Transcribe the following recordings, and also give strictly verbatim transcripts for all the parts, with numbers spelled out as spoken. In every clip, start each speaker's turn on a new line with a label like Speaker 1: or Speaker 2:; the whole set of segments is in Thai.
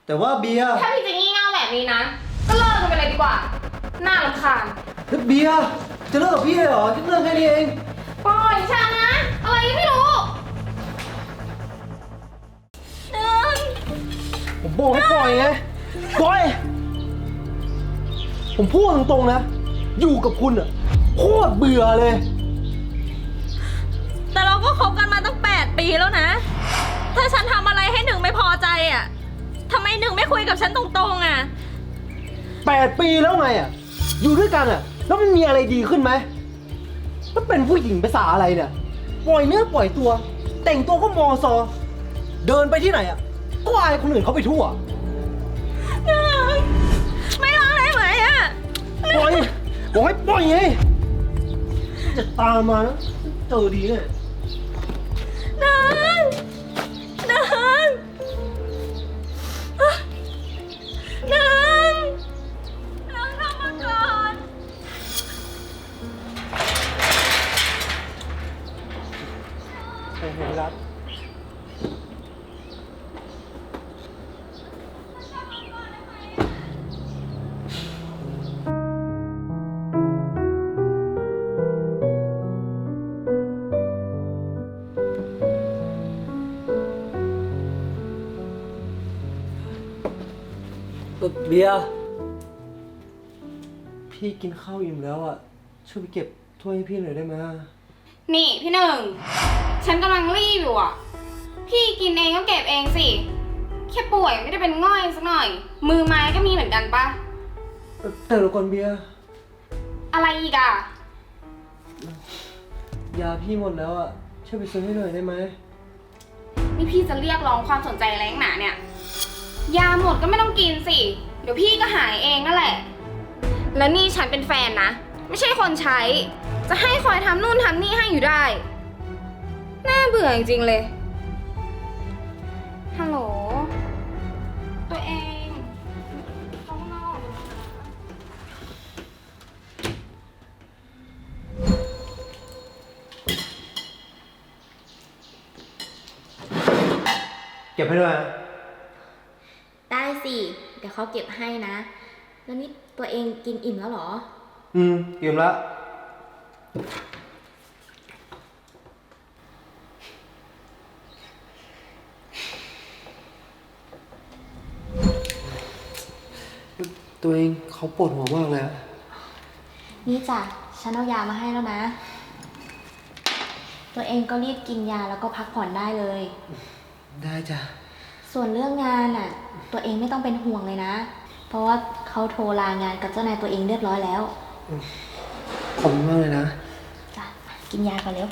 Speaker 1: แต่ว่าเบียร์
Speaker 2: ถ้าพี่จะงี่เง่าแบบนี้นะก็เลิกกันไปเลยดีกว่าน่ารำคาญ
Speaker 1: แล้วเบียร์จะเลิกกับพี่เลยเหรอแค่เรื่องแค่นี้เอง
Speaker 2: ปล่อยฉันนะอะไรก็ไม่รู้หนึ่ง
Speaker 1: ผมบอกให้ปล่อยไงปล่อยผมพูดตรงๆนะอยู่กับคุณอะโคตรเบื่อเลย
Speaker 3: แต่เราก็คบกันมาตั้งแปดปีแล้วนะถ้าฉันทำอะไรให้หนึ่งไม่พอใจอ่ะทำไมหนึ่งไม่คุยกับฉันตรงๆอ่ะ
Speaker 1: แปดปีแล้วไงอะอยู่ด้วยกันอะแล้วมันมีอะไรดีขึ้นไหมแล้วเป็นผู้หญิงภาษาอะไรเนี่ยปล่อยเนื้อปล่อยตัว แต่งตัวก็มอซอเดินไปที่ไหนอะก็อายคนอื่นเขาไปทั่ว
Speaker 3: หนึ่งไม่รักได้ไหมอ่ะ
Speaker 1: ปล่อยบอกให้ปล่อยไงจะตามมานะเจอดีเนี่ย
Speaker 3: หนึ่งหนึ่งหนึ่งเราทำมาก่อน
Speaker 1: โอ้โหรักเบียร์พี่กินข้าวอิ่มแล้วอ่ะช่วยไปเก็บถ้วยให้พี่หน่อยได้ไหม
Speaker 2: นี่พี่หนึ่งฉันกำลังรีบอยู่อ่ะพี่กินเองก็เก็บเองสิแค่ป่วยไม่ได้เป็นง่อยสักหน่อยมือไม้ก็มีเหมือนกันปะ
Speaker 1: แต่เดี๋ยวก่อนเบียร์
Speaker 2: อะไรอีกอ่ะ
Speaker 1: ยาพี่หมดแล้วอ่ะช่วยไปซื้อให้หน่อยได้ไหม
Speaker 2: นี่พี่จะเรียกร้องความสนใจอะไรนักหนาเนี่ยยาหมดก็ไม่ต้องกินสิเดี๋ยวพี่ก็หายเองนั่นแหละแล้วนี่ฉันเป็นแฟนนะไม่ใช่คนใช้จะให้คอยทำนู่นทำนี่ให้อยู่ได้น่าเบื่อจริงๆเลยฮัลโหลตัวเองข้างนอก
Speaker 1: เก็บให้ด้วย
Speaker 3: ได้สิเดี๋ยวเขาเก็บให้นะแล้วนี่ตัวเองกินอิ่มแล้วเหรอ
Speaker 1: อืมอิ่มแล้วตัวเองเขาปวดหัวมากเลยอะ
Speaker 3: นี่จ้ะฉันเอายามาให้แล้วนะตัวเองก็รีบกินยาแล้วก็พักผ่อนได้เลย
Speaker 1: ได้จ้ะ
Speaker 3: ส่วนเรื่องงานอ่ะตัวเองไม่ต้องเป็นห่วงเลยนะเพราะว่าเขาโทรลางานกับเจ้านายตัวเองเรียบร้อยแล้ว
Speaker 1: ขอบคุณมากเลยนะ
Speaker 3: จ้ะกินยาก่อนเร็ว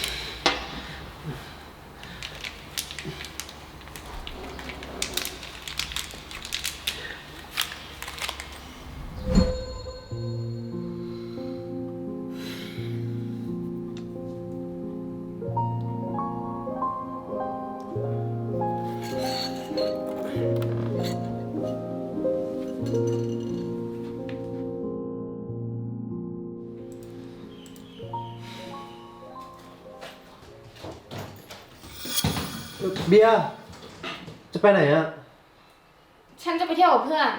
Speaker 1: เบียร์จะไปไหนอะ
Speaker 2: ฉันจะไปเที่ยวกับเพื่อน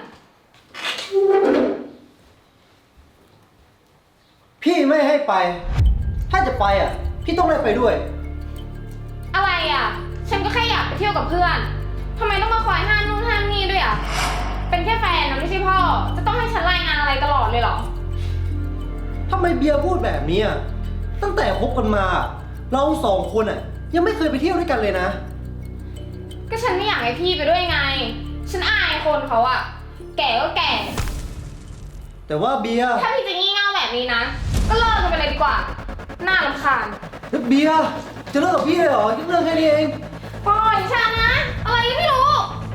Speaker 1: พี่ไม่ให้ไปถ้าจะไปอ่ะพี่ต้องได้ไปด้วย
Speaker 2: อะไรอ่ะฉันก็แค่อยากไปเที่ยวกับเพื่อนทำไมต้องมาคอยห้ามนู่นห้ามนี่ด้วยอ่ะเป็นแค่แฟนนะไม่ใช่พ่อจะต้องให้ฉันรายงานอะไรตลอดเลยเหรอ
Speaker 1: ทำไมเบียร์พูดแบบนี้อ่ะตั้งแต่คบกันมาเราสองคนอ่ะยังไม่เคยไปเที่ยวด้วยกันเลยนะ
Speaker 2: ก็ฉันไม่อยากให้พี่ไปด้วยไงฉันอายคนเขาอ่ะแก่ก็แก่
Speaker 1: แต่ว่าเบียร์
Speaker 2: ถ้าพี่จะงี่เง่าแบบนี้นะก็เลิกกันไปเลยดีกว่าน่ารำคาญ
Speaker 1: แล้วเบียร์จะเลิกกับพี่เลยเหรอแค่เรื่องแค่นี้เอง
Speaker 2: ปล่อยฉันนะอะไรก็ไม่รู้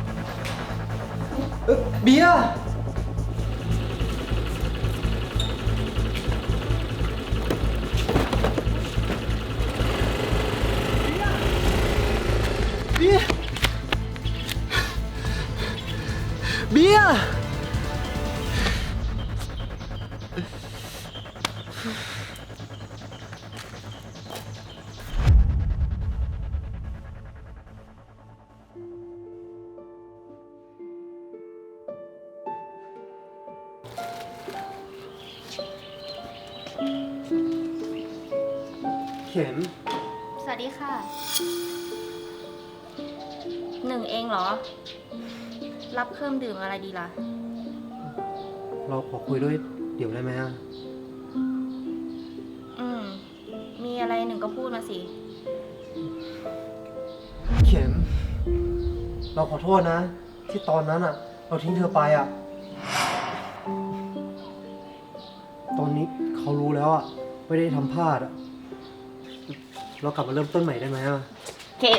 Speaker 1: เบียร์เบียร์เบียร์ข็ม
Speaker 3: สวัสดีค่ะ หนึ่งเองเหรอ รับเครื่องดื่มอะไรดีล่ะ
Speaker 1: เราขอคุยด้วยเดี๋ยวได้ไหมอะ
Speaker 3: อืม มีอะไรหนึ่งก็พูดมาสิ
Speaker 1: เข็ม เราขอโทษนะ ที่ตอนนั้นอะเราทิ้งเธอไปอะตอนนี้เขารู้แล้วอะไม่ได้ทำพลาดอะเรากลับมาเริ่มต้นใหม่ได้ไหมอะ
Speaker 4: เข็ม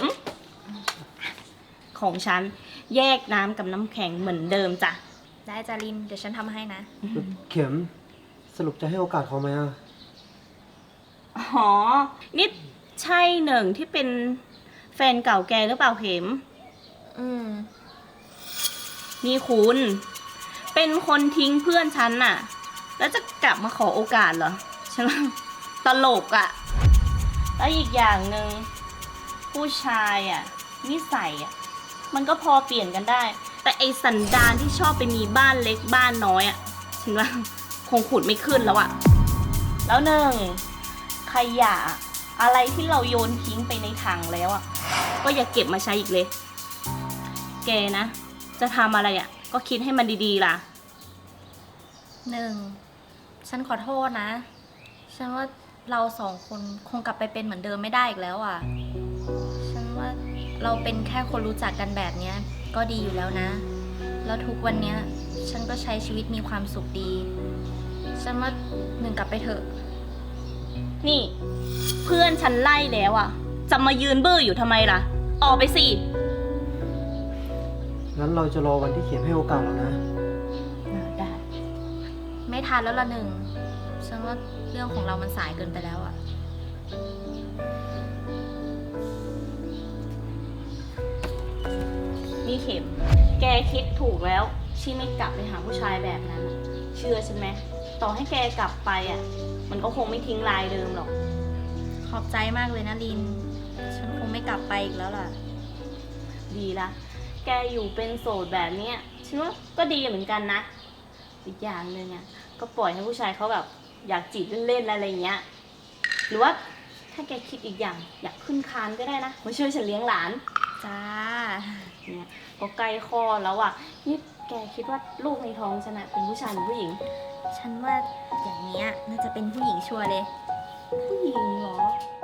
Speaker 4: ของฉันแยกน้ำกับน้ำแข็งเหมือนเดิมจ้ะ
Speaker 3: ได้จาริน เดี๋ยวฉันทำให้นะ
Speaker 1: เข็มสรุปจะให้โอกาสเขาไหมอะ
Speaker 4: อ๋อ นี่ใช่หนึ่งที่เป็นแฟนเก่าแกหรือเปล่าเข็ม
Speaker 3: อืม
Speaker 4: นี่คุณ เป็นคนทิ้งเพื่อนฉันน่ะ แล้วจะกลับมาขอโอกาสเหรอ ฉันว่าตลกอะ่ะ แล้วอีกอย่างหนึ่งผู้ชายอะ่ะ นิสัยอะ่ะ มันก็พอเปลี่ยนกันได้ แต่ไอสันดานที่ชอบไปมีบ้านเล็กบ้านน้อยอะ่ะ ฉันว่าคงขุดไม่ขึ้นแล้วอะ่ะ แล้วหนึ่งขยะอะไรที่เราโยนทิ้งไปในถังแล้วอะ่ะ ก็อย่าเก็บมาใช้อีกเลย แกนะ จะทำอะไรอะ่ะ ก็คิดให้มันดีๆล่ะ
Speaker 3: หนึ่ง ฉันขอโทษนะ ฉันว่าเราสองคนคงกลับไปเป็นเหมือนเดิมไม่ได้อีกแล้วอ่ะ ฉันว่าเราเป็นแค่คนรู้จักกันแบบเนี้ย ก็ดีอยู่แล้วนะ แล้วทุกวันเนี้ย ฉันก็ใช้ชีวิตมีความสุขดี ฉันว่าหนึ่งกลับไปเถอะ
Speaker 4: นี่ เพื่อนฉันไล่แล้วอ่ะ จะมายืนบื้ออยู่ทำไมล่ะ ออกไปสิ
Speaker 1: งั้นเราจะรอวันที่เข็มให้โอกาสเรานะ
Speaker 4: ได้
Speaker 3: ไม่ทันแล้วละหนึ่ง ฉันว่าเรื่องของเรามันสายเกินไปแล้วอ่ะ
Speaker 4: นี่เข็ม แกคิดถูกแล้วที่ไม่กลับไปหาผู้ชายแบบนั้นน่ะเชื่อฉันไหม ต่อให้แกกลับไปอ่ะ มันก็คงไม่ทิ้งลายเดิมหรอก
Speaker 3: ขอบใจมากเลยนะลิน ฉันคงไม่กลับไปอีกแล้วล่ะ
Speaker 4: ดีละ แกอยู่เป็นโสดแบบเนี้ยฉันว่าก็ดีเหมือนกันนะ อีกอย่างหนึ่งอ่ะ ก็ปล่อยให้ผู้ชายเขาแบบอยากจีบเล่นๆอะไรอย่างเงี้ย หรือว่าถ้าแกคิดอีกอย่างอยากขึ้นคานก็ได้นะ มาช่วยฉันเลี้ยงหลาน
Speaker 3: จ้า
Speaker 4: เนี่ยก็ใกล้คลอดแล้วอ่ะ นี่แกคิดว่าลูกในท้องฉันอะเป็นผู้ชายหรือผู้หญิง
Speaker 3: ฉันว่าอย่างเนี้ยน่าจะเป็นผู้หญิงชัวร์เลย
Speaker 4: ผู้หญิงเหรอ